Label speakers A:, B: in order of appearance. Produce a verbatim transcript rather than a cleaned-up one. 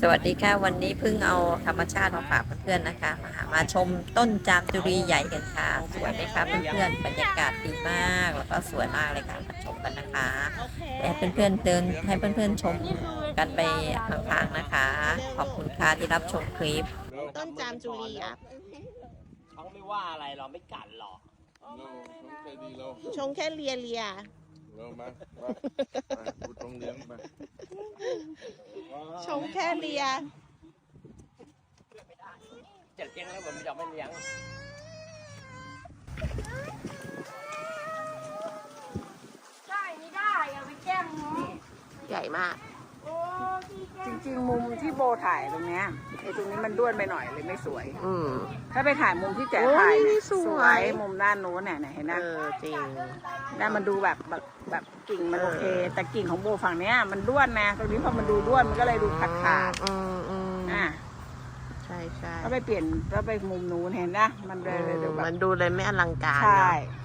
A: สวัสดีค่ะวันนี้เพิ่งเอาธรรมชาติมาฝากเพื่อนๆนะคะมามาชมต้นจามจุรีใหญ่กันค่ะสวยไหมคะเพื่อนๆบรรยากาศดีมากแล้วก็สวยมากเลยค่ะมาชมกันนะคะให้เพื่อนๆเดินให้เพื่อนๆชมกันไปห่างๆนะคะ ขอบคุณค่ะที่รับชมคลิป
B: ต้นจามจุรีอ่ะ
C: เขาไม่ว่าอะไรเราไม่กัดหรอก
B: ชงแค่เลียเลีย
D: เรามามาดูตรงเลี้ยงมา
B: ชงแค่เลีย
C: จะเลี้ยงแล้วมันไม่ยอมไม่เลี้ยง
E: ใช่ไม่ได้อย่าไปแกล้งน้อง
B: ใหญ่มาก
F: จริงๆมุมที่โบถ่ายตรงเนี้ยไอ้ตรงนี้มันด้วนไปหน่อยเลยไม่สวย
B: อืม
F: ถ้าไปถ่ายมุมที่แจ๋ถ่าย
B: โอ้ยนี่
F: เนี่ย
B: สวย
F: มุมด้านโน้นเนี่ยเห็นไหม
B: เออจริง
F: ด้านมันดูแบบแบบแบบกิ่งมันโอเค แต่กิ่งของโบฝั่งเนี้ยมันด้วนนะตรงนี้พอมันดูด้วนมันก็เลยดูขาดขาด
B: อืมอืม
F: อ่ะ
B: ใช่ใช่
F: ก็ไปเปลี่ยนแล้วไปมุมนู้นเห็นนะมันเลยเลยดูแบบ
B: มันดูเลยไม่อลังการ
F: ใช่
B: เนอะ